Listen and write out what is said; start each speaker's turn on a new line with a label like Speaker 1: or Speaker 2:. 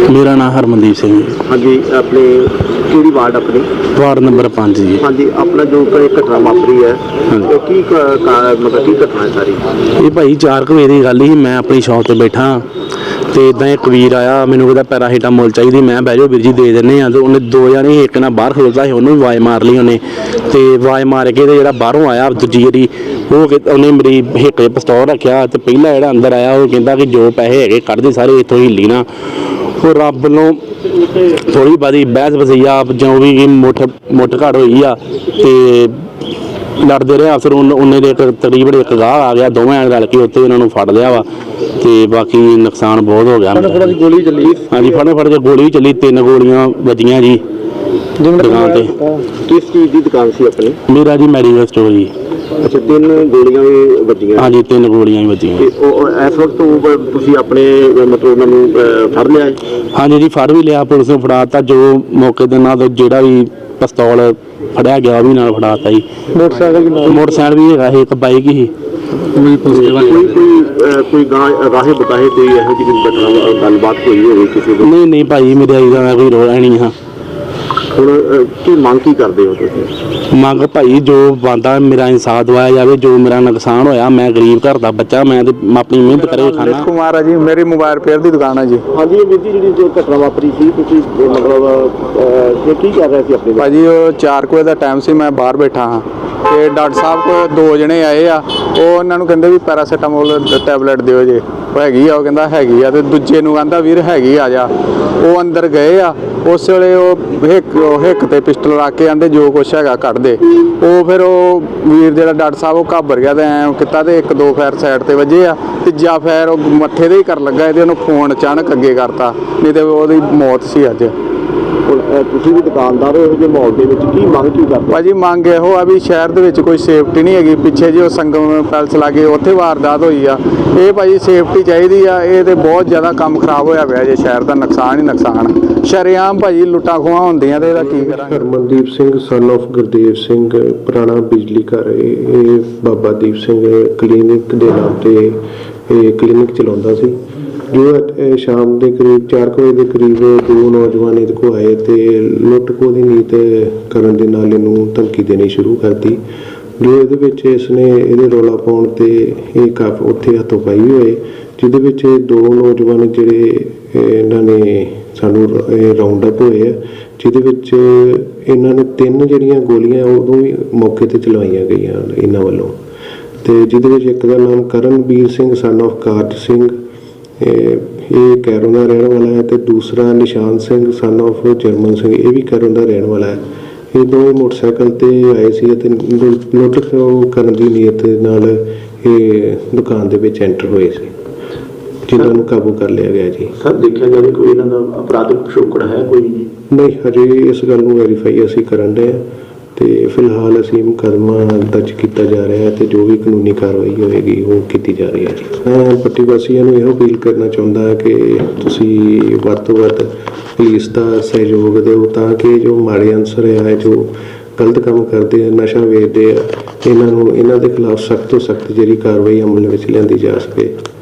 Speaker 1: मेरा नाम हरमनदीप सिंह है।
Speaker 2: हाँ जी, अपने ਕਿਹੜੀ ਵਾਰਡ ਆਪਣੀ?
Speaker 1: वार्ड नंबर 5 जी।
Speaker 2: ਹਾਂਜੀ, ਆਪਣਾ ਜੋ ਕੋਈ ਘਟਨਾ ਵਾਪਰੀ ਹੈ
Speaker 1: ਹਾਂਜੀ।
Speaker 2: ਉਹ ਕੀ ਮਤਲਬ ਕੀ ਘਟਨਾ ਹੈ ਸਾਰੀ?
Speaker 1: ਇਹ ਭਾਈ 4 ਵਜੇ ਦੀ ਗੱਲ ਸੀ। ਮੈਂ ਆਪਣੀ ਸ਼ਾਪ ਤੇ ਬੈਠਾ ਤੇ ਇਦਾਂ ਇੱਕ ਵੀਰ ਆਇਆ, ਮੈਨੂੰ ਕਹਿੰਦਾ ਪੈਰਾਸੀਟਾਮੋਲ ਚਾਹੀਦੀ। ਮੈਂ ਬਹਿ ਜਾਓ ਵੀਰ ਜੀ ਦੇ ਦਿੰਦੇ ਆ। ਤੇ ਉਹਨੇ ਦੋ ਜਣੇ, ਇੱਕ ਨਾਲ ਬਾਹਰ ਖਲੋਤਾ ਸੀ, ਉਹਨੂੰ ਵੀ ਆਵਾਜ਼ ਮਾਰ ਲਈ ਉਹਨੇ। ਤੇ ਆਵਾਜ਼ ਮਾਰ ਕੇ ਤੇ ਜਿਹੜਾ ਬਾਹਰੋਂ ਆਇਆ ਦੂਜੀ ਵਾਰੀ, ਉਹਨੇ ਮੇਰੀ ਹਿੱਕ 'ਚ ਪਿਸਤੌਲ ਰੱਖਿਆ। ਤੇ ਪਹਿਲਾ ਜਿਹੜਾ ਅੰਦਰ ਆਇਆ ਉਹ ਕਹਿੰਦਾ ਕਿ ਜੋ ਪੈਸੇ ਹੈਗੇ ਕੱਢ ਦੇ ਸਾਰੇ, ਇੱਥੋਂ ਹਿੱਲੀ ਨਾ। ਉਹ ਰੱਬ ਨੂੰ ਥੋੜੀ ਬਾਦੀ ਬਹਿਸ ਵਸਈਆ ਜੋ ਵੀ ਮੁੱਠ ਘੜ ਹੋਈ ਆ ਤੇ ਲੜਦੇ ਰਹੇ ਅਫਸਰ। ਉਹਨੇ ਦੇ ਤਕਰੀਬਨ ਇੱਕ ਗਾਹ ਆ ਗਿਆ, ਦੋਵੇਂ ਰਲ ਕੇ ਉੱਥੇ ਉਹਨਾਂ ਨੂੰ ਫੜ ਲਿਆ ਵਾ। ਤੇ ਬਾਕੀ ਨੁਕਸਾਨ ਬਹੁਤ ਹੋ ਗਿਆ।
Speaker 2: ਗੋਲੀ ਚੱਲੀ?
Speaker 1: ਹਾਂਜੀ, ਫੜ ਕੇ ਗੋਲੀ ਵੀ ਚੱਲੀ, 3 ਗੋਲੀਆਂ ਵੱਜੀਆਂ ਜੀ ਦੁਕਾਨ ਤੇ।
Speaker 2: ਕਿਸ ਚੀਜ਼ ਦੀ ਦੁਕਾਨ ਸੀ ਆਪਣੀ?
Speaker 1: ਮੇਰਾ ਜੀ ਮੈਡੀਕਲ ਸਟੋਰ ਜੀ।
Speaker 2: ਅੱਛਾ, 3 ਗੋਲੀਆਂ ਵੀ ਵੱਜੀਆਂ?
Speaker 1: ਹਾਂਜੀ, 3 ਗੋਲੀਆਂ ਵੀ ਵੱਜੀਆਂ।
Speaker 2: ਇਸ ਵਕਤ ਤੁਸੀਂ ਆਪਣੇ ਮਤਲਬ ਉਹਨਾਂ ਨੂੰ ਫੜ ਲਿਆ ਹੈ?
Speaker 1: ਹਾਂਜੀ ਜੀ, ਫੜ ਵੀ ਲਿਆ, ਪੁਲਿਸ ਨੂੰ ਫੜਾਤਾ। ਜੋ ਮੌਕੇ ਦੇ ਨਾਲ ਜਿਹੜਾ ਵੀ ਪਿਸਤੌਲ ਫੜਿਆ ਗਿਆ ਉਹ ਵੀ ਨਾਲ ਫੜਾਤਾ ਜੀ। ਮੋਟਰਸਾਈਕਲ ਵੀ ਹੈਗਾ ਸੀ, ਇੱਕ ਬਾਈਕ ਹੀ।
Speaker 2: ਕੋਈ ਰਾਹੇ ਬਤਾਏ ਕੋਈ ਇਹੋ ਜਿਹੀ ਘਟਨਾ ਗੱਲਬਾਤ ਹੋਈ ਹੋਵੇ ਕਿਸੇ ਦੀ?
Speaker 1: ਨਹੀਂ ਭਾਈ, ਮੇਰੇ ਆਈ ਦਾ ਕੋਈ ਰੋਲਾ ਨਹੀਂ ਆ।
Speaker 2: ਹੁਣ ਕੀ ਮੰਗ ਕੀ ਕਰਦੇ ਹੋ ਤੁਸੀਂ?
Speaker 1: ਮੰਗ ਭਾਈ ਜੋ ਬਣਦਾ ਮੇਰਾ ਇਨਸਾਫ ਦਵਾਇਆ ਜਾਵੇ। ਜੋ ਮੇਰਾ ਨੁਕਸਾਨ ਹੋਇਆ, ਮੈਂ ਗਰੀਬ ਘਰ ਦਾ ਬੱਚਾ, ਮੈਂ ਤੇ ਆਪਣੀ ਮਿਹਨਤ ਕਰੇ ਖਾਣਾ।
Speaker 3: ਕੁਮਾਰ ਆ ਜੀ, ਮੇਰੀ ਮੋਬਾਈਲ ਰਿਪੇਅਰ ਦੀ ਦੁਕਾਨ ਹੈ ਜੀ।
Speaker 2: ਹਾਂਜੀ, ਇਹ ਵੀਰ ਜੀ ਜਿਹੜੀ ਜੋ ਘਟਨਾ ਵਾਪਰੀ ਸੀ, ਤੁਸੀਂ ਮਤਲਬ ਕੀ ਕਰ ਰਹੇ ਸੀ ਆਪਣੇ?
Speaker 3: ਭਾਜੀ ਉਹ 4 ਵਜੇ ਦਾ ਟਾਈਮ ਸੀ, ਮੈਂ ਬਾਹਰ ਬੈਠਾ ਹਾਂ ਤੇ ਡਾਕਟਰ ਸਾਹਿਬ ਕੋਲ 2 ਜਣੇ ਆਏ ਆ। ਉਹ ਉਹਨਾਂ ਨੂੰ ਕਹਿੰਦੇ ਵੀ ਪੈਰਾਸੀਟਾਮੋਲ ਟੈਬਲੇਟ ਦਿਓ ਜੇ। ਉਹ ਹੈਗੀ ਆ, ਉਹ ਕਹਿੰਦਾ ਹੈਗੀ ਆ। ਤੇ ਦੂਜੇ ਨੂੰ ਕਹਿੰਦਾ ਵੀਰ ਹੈਗੀ ਆ ਜਾ। ਉਹ ਅੰਦਰ ਗਏ ਆ, ਉਸ ਵੇਲੇ ਉਹ ਹਿੱਕ ਤੇ ਪਿਸਟਲ ਰੱਖ ਕੇ ਆਂਦੇ ਜੋ ਕੁਛ ਹੈਗਾ ਕੱਢ ਦੇ। ਉਹ ਫਿਰ ਉਹ ਵੀਰ ਜਿਹੜਾ ਡਾਕਟਰ ਸਾਹਿਬ ਉਹ ਘਾਬਰ ਗਿਆ ਤੇ ਐਂ ਕੀਤਾ ਤੇ 1-2 ਫੈਰ ਸਾਈਡ ਤੇ ਵੱਜੇ ਆ। ਤੀਜਾ ਫੈਰ ਉਹ ਮੱਥੇ ਦੇ ਹੀ ਕਰਨ ਲੱਗਾ ਤੇ ਉਹਨੂੰ ਫੋਨ ਅਚਾਨਕ ਅੱਗੇ ਕਰਤਾ, ਨਹੀਂ ਤੇ ਉਹਦੀ ਮੌਤ ਸੀ ਅੱਜ।
Speaker 2: ਤੁਸੀਂ ਵੀ ਦੁਕਾਨਦਾਰ ਹੋ, ਇਹੋ ਜਿਹੇ ਮਾਹੌਲ ਦੇ ਵਿੱਚ ਕੀ ਮੰਗ ਕੀ ਕਰਦੇ?
Speaker 3: ਭਾਜੀ ਮੰਗ ਇਹੋ ਆ ਵੀ ਸ਼ਹਿਰ ਦੇ ਵਿੱਚ ਕੋਈ ਸੇਫਟੀ ਨਹੀਂ ਹੈਗੀ। ਪਿੱਛੇ ਜੇ ਉਹ ਸੰਗਮ ਪੈਲਸ ਲਾਗੇ ਉੱਥੇ ਵਾਰਦਾਤ ਹੋਈ ਆ। ਇਹ ਭਾਜੀ ਸੇਫਟੀ ਚਾਹੀਦੀ ਆ। ਇਹ ਤੇ ਬਹੁਤ ਜ਼ਿਆਦਾ ਕੰਮ ਖਰਾਬ ਹੋਇਆ ਪਿਆ ਜੇ, ਸ਼ਹਿਰ ਦਾ ਨੁਕਸਾਨ ਹੀ ਨੁਕਸਾਨ। ਸ਼ਰੇਆਮ ਭਾਜੀ ਲੁੱਟਾਂ ਖੋਹਾਂ ਹੁੰਦੀਆਂ ਤੇ ਇਹਦਾ ਕੀ ਕਰਾਂਗੇ?
Speaker 4: ਹਰਮਨਦੀਪ ਸਿੰਘ ਸਨ ਆਫ ਗੁਰਦੇਵ ਸਿੰਘ, ਪੁਰਾਣਾ ਬਿਜਲੀ ਘਰ। ਇਹ ਬਾਬਾ ਦੀਪ ਸਿੰਘ ਕਲੀਨਿਕ ਦੇ ਨਾਮ ਤੇ ਇਹ ਕਲੀਨਿਕ ਚਲਾਉਂਦਾ ਸੀ। ਜੋ ਸ਼ਾਮ ਦੇ ਕਰੀਬ 4 ਵਜੇ ਦੇ ਕਰੀਬ 2 ਨੌਜਵਾਨ ਇਹਦੇ ਕੋਲ ਆਏ ਤੇ ਲੁੱਟ ਖੋਹ ਦੀ ਨੀਤ ਕਰਨ ਦੇ ਨਾਲ ਇਹਨੂੰ ਧਮਕੀ ਦੇਣੀ ਸ਼ੁਰੂ ਕਰਤੀ। ਜੋ ਇਹਦੇ ਵਿੱਚ ਇਸਨੇ ਇਹਦੇ ਰੌਲਾ ਪਾਉਣ ਤੇ ਇਹ ਕਾਫੀ ਉੱਥੇ ਹੱਥੋਂ ਪਾਈ ਹੋਏ, ਜਿਹਦੇ ਵਿੱਚ 2 ਨੌਜਵਾਨ ਜਿਹੜੇ ਇਹਨਾਂ ਨੇ ਸਾਨੂੰ ਰਾਉਂਡ ਅਪ ਹੋਏ ਆ, ਜਿਹਦੇ ਵਿੱਚ ਇਹਨਾਂ ਨੇ 3 ਜਿਹੜੀਆਂ ਗੋਲੀਆਂ ਉਦੋਂ ਵੀ ਮੌਕੇ ਤੇ ਚਲਵਾਈਆਂ ਗਈਆਂ ਇਹਨਾਂ ਵੱਲੋਂ। ਤੇ ਜਿਹਦੇ ਵਿੱਚ ਇੱਕ ਦਾ ਨਾਮ ਕਰਨਵੀਰ ਸਿੰਘ ਸਨ ਆਫ ਕਾਰਜ ਸਿੰਘ, ਇਹ ਕੈਰੋਂ ਦਾ ਰਹਿਣ ਵਾਲਾ ਹੈ। ਤੇ ਦੂਸਰਾ ਨਿਸ਼ਾਨ ਸਿੰਘ ਸਨ ਆਫ ਜਰਮਨ ਸਿੰਘ, ਇਹ ਵੀ ਕੈਰੋਂ ਦਾ ਰਹਿਣ ਵਾਲਾ ਹੈ। ਇਹ ਦੋਵੇਂ ਮੋਟਰਸਾਈਕਲ ਤੇ ਆਏ ਸੀ ਅਤੇ ਲੁੱਟ ਖੋਹ ਕਰਨ ਦੀ ਨੀਅਤ ਨਾਲ ਇਹ ਦੁਕਾਨ ਦੇ ਵਿੱਚ ਐਂਟਰ ਹੋਏ ਸੀ, ਜਿਨ੍ਹਾਂ ਨੂੰ ਕਾਬੂ ਕਰ ਲਿਆ ਗਿਆ ਜੀ।
Speaker 2: ਸਰ, ਦੇਖਿਆ ਜਾਵੇ ਕੋਈ ਇਹਨਾਂ ਦਾ ਅਪਰਾਧਿਕ ਪਿਛੋਕੜ ਹੈ ਕੋਈ?
Speaker 4: ਨਹੀਂ, ਹਜੇ ਇਸ ਗੱਲ ਨੂੰ ਵੈਰੀਫਾਈ ਅਸੀਂ ਕਰਨ ਦੇ ਹਾਂ ਤੇ ਫਿਲਹਾਲ ਅਸੀਂ ਮੁਕੱਦਮਾ ਦਰਜ ਕੀਤਾ ਜਾ ਰਿਹਾ ਹੈ ਤੇ ਜੋ ਵੀ ਕਾਨੂੰਨੀ ਕਾਰਵਾਈ ਹੋਏਗੀ ਉਹ ਕੀਤੀ ਜਾ ਰਹੀ ਹੈ ਜੀ। ਮੈਂ ਪੱਟੀ ਵਾਸੀਆਂ ਨੂੰ ਇਹੋ ਅਪੀਲ ਕਰਨਾ ਚਾਹੁੰਦਾ ਹਾਂ ਕਿ ਤੁਸੀਂ ਵੱਧ ਤੋਂ ਵੱਧ ਪੁਲਿਸ ਦਾ ਸਹਿਯੋਗ ਦਿਓ ਤਾਂ ਕਿ ਜੋ ਮਾੜੇ ਅਨਸਰ ਹੈ, ਜੋ ਗਲਤ ਕੰਮ ਕਰਦੇ ਆ, ਨਸ਼ਾ ਵੇਚਦੇ ਆ, ਇਹਨਾਂ ਦੇ ਖਿਲਾਫ ਸਖਤ ਤੋਂ ਸਖਤ ਜਿਹੜੀ ਕਾਰਵਾਈ ਅਮਲ ਵਿੱਚ ਲਿਆਂਦੀ ਜਾ ਸਕੇ।